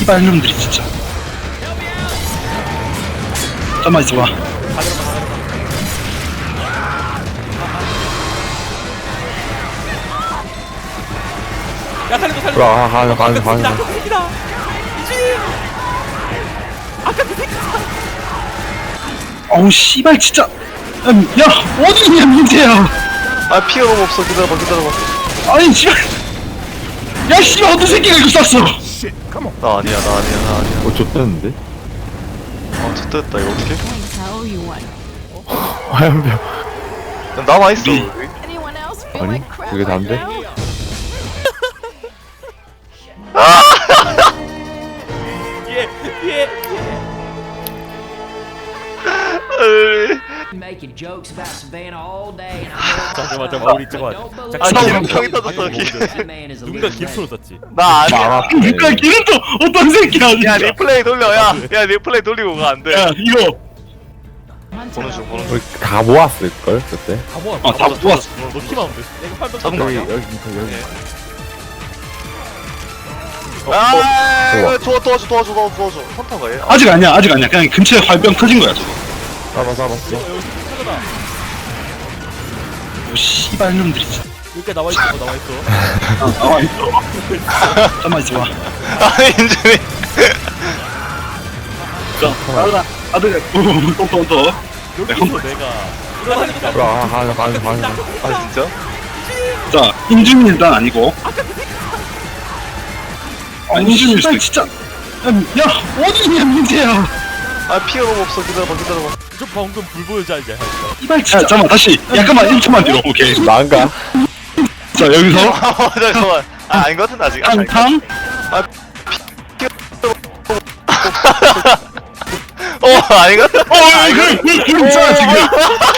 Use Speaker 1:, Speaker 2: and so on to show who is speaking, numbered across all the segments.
Speaker 1: 씨발 놈들이 진짜. 잠깐만 있어봐.
Speaker 2: 야 살려줘 살려줘.
Speaker 3: 가는
Speaker 2: 아까 그 새끼다. 이준이. 아까 그 새끼다.
Speaker 1: 어우 씨발 진짜. 야 어디 있냐 민재야.
Speaker 4: 아 피가 너무 없어. 기다려봐.
Speaker 1: 아니 씨발. 야 씨발 어떤 새끼가 이거 쐈어.
Speaker 4: 나 아니야.
Speaker 3: 좆됐는데?
Speaker 4: 좋됐다. 이거 어떡해?
Speaker 5: I owe you one.
Speaker 3: 화염병.
Speaker 4: 남아있어.
Speaker 5: Anyone else feel
Speaker 3: 아니,
Speaker 5: like crap
Speaker 3: 그게
Speaker 5: right
Speaker 3: 다인데?
Speaker 5: now?
Speaker 2: 예.
Speaker 6: Making jokes about Savannah all day, and I'm
Speaker 2: 잠깐만 우리 잠깐만.
Speaker 4: 아
Speaker 2: 잠깐만.
Speaker 4: 형이 터졌어.
Speaker 6: that man is a
Speaker 2: 누군가
Speaker 6: living
Speaker 2: 김프로
Speaker 6: legend.
Speaker 2: 썼지.
Speaker 4: 나 아니야.
Speaker 1: 그러니까 걔는 또 어떤 새끼야.
Speaker 4: 야
Speaker 1: 진짜.
Speaker 4: 리플레이 돌려. 야 리플레이 돌리고 가. 안 돼.
Speaker 1: 야 이거.
Speaker 4: 보는 중.
Speaker 3: 우리 다 모았을걸, 그때?
Speaker 2: 다 모아.
Speaker 1: 다 모았어.
Speaker 2: 너 키만 하면 돼. 내가 팔도
Speaker 4: 잡은 거 아니야?
Speaker 3: 여기.
Speaker 4: 아 도와줘. 선타가 얘.
Speaker 1: 아직 아니야. 그냥 근처에 활병 터진 거야 저거.
Speaker 3: 잡았어.
Speaker 1: 이 씨발 놈들이 진짜.
Speaker 2: 여기까지 나와 있어.
Speaker 1: 나와 있어. 잠깐만 있어봐.
Speaker 4: 아 인준이.
Speaker 1: 자, 아들, 또.
Speaker 2: 여기서 내가 일어나니까.
Speaker 3: 가는.
Speaker 4: 아 진짜?
Speaker 1: 자, 인준이 일단 아니고. 인준일 수도 진짜. 야, 어디 있냐 민재야.
Speaker 4: 아 피가 너무 없어. 기다려봐.
Speaker 2: 저 방금 불 보여줘 이제.
Speaker 1: 이발 진짜. 잠깐만 다시. 약간만 1초만 뒤로. 오케이.
Speaker 3: 난가?
Speaker 1: 자 여기서
Speaker 4: 잠깐만. 아 아닌 것 같은데 아직.
Speaker 1: 탕탕.
Speaker 4: 아닌 것 같아.
Speaker 1: 불 있잖아 지금.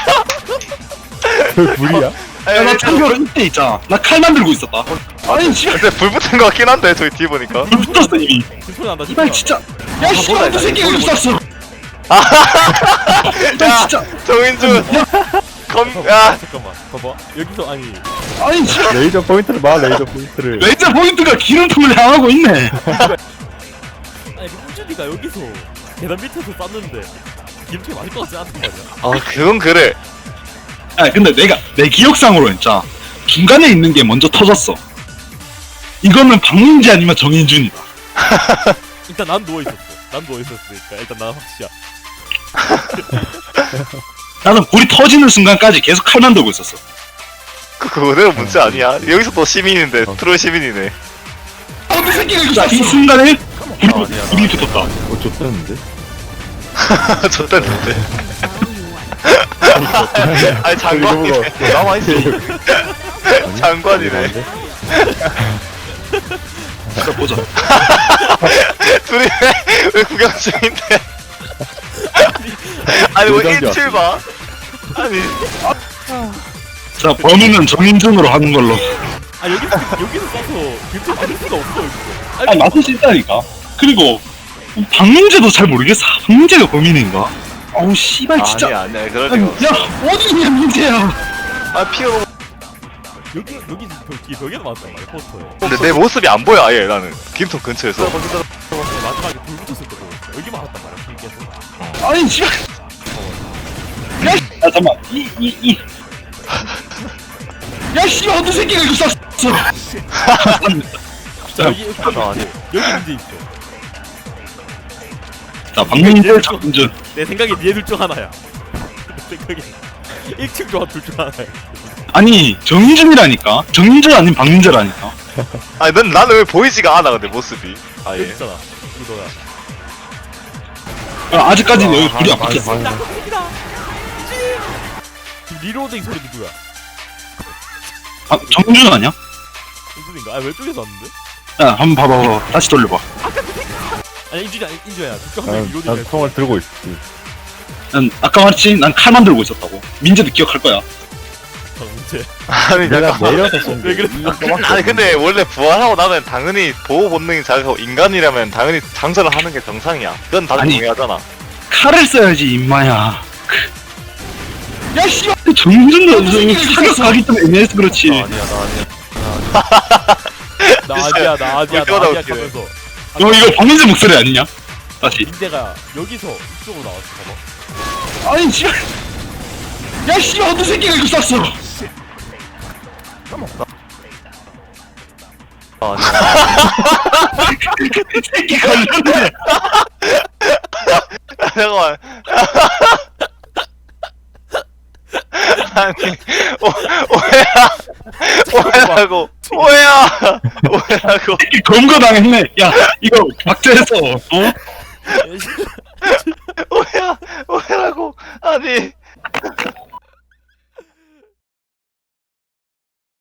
Speaker 3: 그 불이야?
Speaker 1: 야, 나 참고로 이때 있잖아. 나 칼만 들고 있었다. 아니 씨발
Speaker 4: 근데 불 붙은 것 같긴 한데 저기 뒤에 보니까.
Speaker 1: 불 붙었어 이미.
Speaker 2: 김프로 난다.
Speaker 1: 이발 진짜. 야 씨발 어떤 새끼가 이거 쐈어. 이발
Speaker 4: 야
Speaker 1: 진짜.
Speaker 4: 정인준. 야
Speaker 2: 잠깐만. 봐봐. 여기서 아니.
Speaker 1: 아니 씨발.
Speaker 3: 레이저 포인트를 봐, 레이저 포인트를.
Speaker 1: 레이저 포인트가 기름통을 향하고 있네.
Speaker 2: 아니 우준이가 여기서 계단 밑에서 쐈는데 김치 맞을 것 같지 않단 말이야.
Speaker 4: 아 그건 그래.
Speaker 1: 아 근데 내 기억상으로 진짜 중간에 있는 게 먼저 터졌어. 이거는 박민지 아니면 정인준이다.
Speaker 2: 일단 난 누워 있었으니까 일단 난 확실이야.
Speaker 1: 나는 불이 터지는 순간까지 계속 칼만 들고 있었어.
Speaker 4: 그대로 문제 아니야. 여기서 또 시민인데 트롤 시민이네.
Speaker 1: 어떤 새끼가 이거 이 순간에 불이 붙었다.
Speaker 3: 좆됐는데?
Speaker 4: 좋댔는데.
Speaker 5: I owe you one.
Speaker 4: 아니 장관이네. 남아있어. 장관이네.
Speaker 1: 자 보자.
Speaker 4: 둘이 왜 구경 중인데? 아니 뭐
Speaker 3: 요정이
Speaker 4: 1칠 봐. 아니
Speaker 1: 자 범인은 정인준으로 하는 걸로.
Speaker 2: 아 여기서 쏴서 김치 맞을 수가 없어 여기서.
Speaker 1: 아니 맞을 수 있다니까. 그리고 박민재도 잘 모르겠어. 박민재가 범인인가? 어우 씨발 진짜.
Speaker 4: 아니야 그럴
Speaker 1: 아니,
Speaker 4: 리가 없어.
Speaker 1: 야 어디 있냐 민재야.
Speaker 4: 아 피가 너무.
Speaker 2: 여기 벽에도 맞았단 말이야 포스터에.
Speaker 4: 근데 내 모습이 안 보여 아예 나는 김통 근처에서.
Speaker 2: 마지막에 불 붙었을 때 보였어. 여기 맞았단 말이야 길게서.
Speaker 1: 아니 씨발. 야 잠깐만 야 씨발 어떤 새끼가 이거 쐈어.
Speaker 2: 자 여기
Speaker 4: 아니.
Speaker 2: 여기 문제 있어.
Speaker 1: 자 박민재 정인준.
Speaker 2: 내 생각에 니네 둘중 하나야. 내 생각에 1층 조합 둘중 하나야.
Speaker 1: 아니 정인준이라니까. 정인준 아닌 박민재라니까.
Speaker 4: 아니 나는 왜 보이지가 않아 근데 모습이.
Speaker 2: 여기
Speaker 4: 아예.
Speaker 2: 있잖아. 이거 너야.
Speaker 1: 야, 아직까지는 여기 불이 안 붙었어.
Speaker 3: 가는.
Speaker 2: 지금 리로딩 소리 누구야?
Speaker 1: 아 정인준 아니야?
Speaker 2: 인준인가? 아 왼쪽에서 왔는데?
Speaker 1: 야 한번 봐봐. 다시 돌려봐.
Speaker 2: 아니 인준이야. 둘중 한 명이 리로딩
Speaker 3: 난
Speaker 2: 했어.
Speaker 3: 총을 들고 있지.
Speaker 1: 난 아까 말했지. 난 칼만 들고 있었다고. 민재도 기억할 거야.
Speaker 2: 문제.
Speaker 4: 아니
Speaker 3: 내가
Speaker 4: 잠깐.
Speaker 3: 내려서 쏜 게.
Speaker 2: 왜 그래?
Speaker 4: 아니 근데 원래 부활하고 나면 당연히 보호 본능이 자극하고 인간이라면 당연히 장전을 하는 게 정상이야. 그건 다들
Speaker 1: 아니.
Speaker 4: 동의하잖아.
Speaker 1: 칼을 써야지 임마야. 야 씨발 정인준도 무슨 사격 가기 때문에 애매해서 그렇지.
Speaker 4: 나 아니야.
Speaker 2: 나 아니야
Speaker 4: 울 때마다 웃기네.
Speaker 2: 하면서
Speaker 1: 이거 박민재 목소리 아니냐? 다시.
Speaker 2: 민재가 여기서 이쪽으로 나왔어. 봐봐.
Speaker 1: 아니 씨발. 야 씨발 어떤 새끼가 이거 쐈어?
Speaker 4: 아니
Speaker 1: 이 새끼 걸렸네.
Speaker 4: 잠깐만 아니 오해라고
Speaker 1: 검거 당했네. 야 이거 박제해서 어?
Speaker 4: 오해라고 아니